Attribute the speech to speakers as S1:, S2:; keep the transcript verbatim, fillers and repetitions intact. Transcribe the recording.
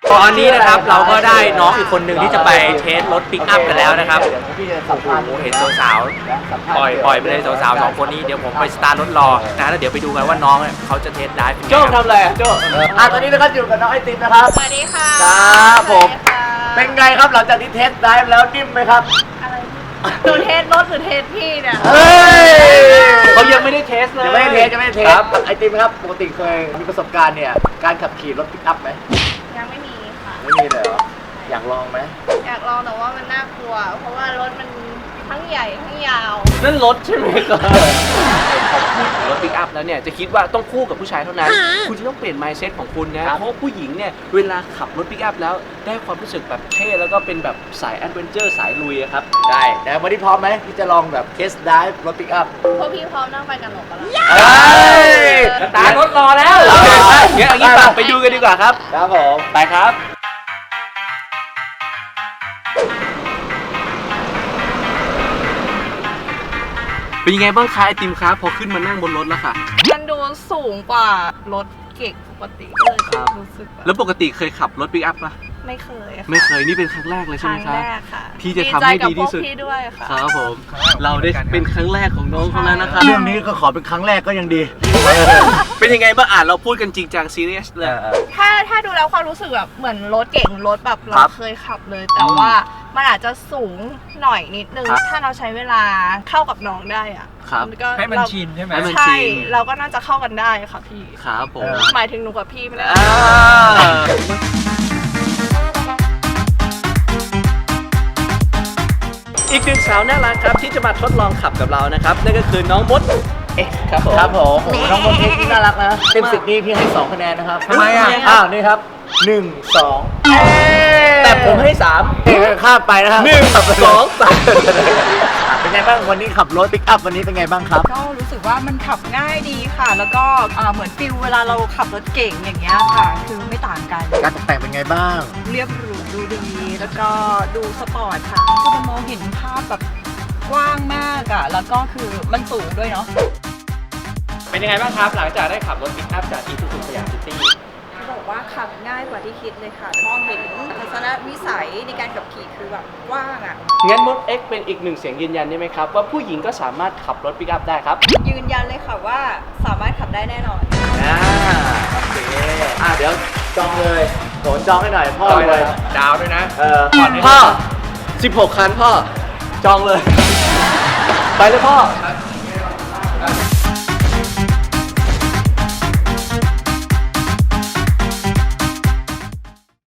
S1: ตอนนี้นะครับเราก็ได้น้องอีกคนหนึ่งที่จะไปเทสรถปิกอัพกันแล้วนะครับโอ้โหเห็นสาวๆปล่อยปล่อยไปเลยสาวๆสองคนนี้เดี๋ยวผมไปสตาร์ทรถรอนะแล้วเดี๋ยวไปดูกันว่าน้องเขาจะเทสได้โจ้ทำอะไรอ่ะโจ้อ่ะตอนนี้นะครับอยู่กับน้องไอติมนะครับ
S2: สวัสดีค่ะ
S1: ครับผมเป็นไงครับหลังจากที่เทสได้แล้วนิ่มไหมครับ
S2: อะไรหนูเทสรถหรือเทสพี่เนี่ย
S1: เฮ้ย
S3: เขายังไม่ได้เทสเลย
S1: ยังไม่ได้เทสยังไม่ได้เทสไอติมครับปกติเคยมีประสบการณ์เนี่ยการขับขี่รถปิกอัพไหม
S2: ยังไม่มีค่ะ
S1: ไม่มีเลยเหรออยากลองไหม
S2: อยากลองแต่ว่ามันน่ากลัว เพราะว่ารถมันทั้งใหญ่ทั้งยาว
S3: นั่นรถใช่ไหมครับรถปิกอัพแล้วเนี่ยจะคิดว่าต้องคู่กับผู้ชายเท่านั้น คุณจะต้องเปลี่ยน mindset ของคุณนะ เพราะผู้หญิงเนี่ยเวลาขับรถปิกอัพแล้วได้ความรู้สึกแบบเท่แล้วก็เป็นแบบสายแอดเวนเจอร์สายลุยอะครับ
S1: ได้แต่วันนี้พร้อมไหมที่จะลองแบบเทสได้รถปิกอัพ
S2: พวกพี่พร้อมนั่งไปกับหนูปะล่ะ
S1: เฮ้ย
S3: ตาร์ทรถรอแล้ว
S1: โอเคไป
S3: งั้นเอางี้ไปดูกันดีกว่าครับ
S1: ครับผม
S3: ไปครับ เป็นยังไงบ้างคะไอติมครับพอขึ้นมานั่งบนรถแล้วค่ะ
S2: มันดูสูงกว่ารถเก่งปกติก็เลย
S3: ครับ
S2: รู้สึกแบบ
S3: แล้วปกติเคยขับรถปิกอัพปะ
S2: ไม่เคยค่ะ
S3: ไม่เคยนี่เป็นครั้งแรกเลย
S2: ค
S3: ใช่ไหม
S2: รั้ง
S3: ครับ
S2: แรกค่ะ
S3: ที่จะทำให้ดีที่สุด
S2: ใจกับพวกพี่ด้วยค่ะ
S3: ครับผม เราได้เป็นครั้งแรกของน้องเขาแล้วนะครับ
S1: เรื่องนี้ก็ขอเป็นครั้งแรกก็ยังดี
S3: เป็นยังไงบ้างอ่านเราพูดกันจริงจังซีเรียสเลย
S2: ถ้าถ้าดูแล้วความรู้สึกแบบเหมือนรถเก่งรถแบบ
S1: ค
S2: เรา
S1: รับ
S2: เคยขับเลย แต่ว่ามันอาจจะสูงหน่อยนิดนึง
S3: ครับ
S2: ถ้าเราใช้เวลาเข้ากับน้องได้อะ
S3: ครับ
S2: ก็
S4: ให้มัน
S2: เรา
S4: ชินใช่ไหม
S3: ให้มัน
S2: ใช่
S3: ชิน
S2: เราก็น่าจะเข้ากันได้ค่ะพี่
S3: ครับผม
S2: หมายถึงหนูกับพี่ไม่ได้
S3: อ่าอีกหนึ่งสาวน่ารักครับที่จะมาทดลองขับกับเรานะครับนั่นก็คือน้องมดเอ็กซ์ครับผม
S1: ครับผมโอ้โหน้องมนเทคนี่น่ารักนะเต็มสิบนี่พี่ให้สองคะแนนนะครับ
S4: ทำไมอ่ะ
S1: อ้าวนี่ครับหนึ่งสอง
S3: แต่ผมให้สาม
S1: เอ้ยข้ามไปนะครับ
S3: หนึ่งสองสาม
S1: เป็นไงบ้างวันนี้ขับรถปิกอัพวันนี้เป็นไงบ้างครับ
S5: ก็รู้สึกว่ามันขับง่ายดีค่ะ แล้วก็อ่าเหมือนฟิลเวลาเราขับรถเก่งอย่างเงี้ยค่ะ คือไม่ต่างกัน
S1: การตกแต่งเป็นไงบ้าง
S5: เรียบหรูดูดี แล้วก็ดูสปอร์ตค่ะคือมันมองเห็นภาพแบบกว้างมากอะแล้วก็คือมันสูงด้วยเนาะ
S3: เป็นยังไงบ้างครับหลังจากได้ขับรถปิกอัพจากอีซูซูสยามซิตี้
S5: บอกว่าขับง่ายกว่าที่คิดเลยค่ะมองเห็นทัศนวิสัยในการขับขี่คือแบบกว้างอะ
S3: งั้นมดเอ็กซ์เป็นอีกหนึ่งเสียงยืนยันได้ไหมครับว่าผู้หญิงก็สามารถขับรถปิกอัพได้ครับ
S5: ยืนยันเลยค่ะว่าสามารถขับได้แน่นอน
S1: อ่าโอเคอ่าเดี๋ยวจองเลยโหนจองให้หน่อยพ่อเลย
S4: ดาวด้วยนะ
S1: เออ
S3: พ่อสิบหกคันพ่อ จองเลย ไปเลยพ่อ
S4: ใช่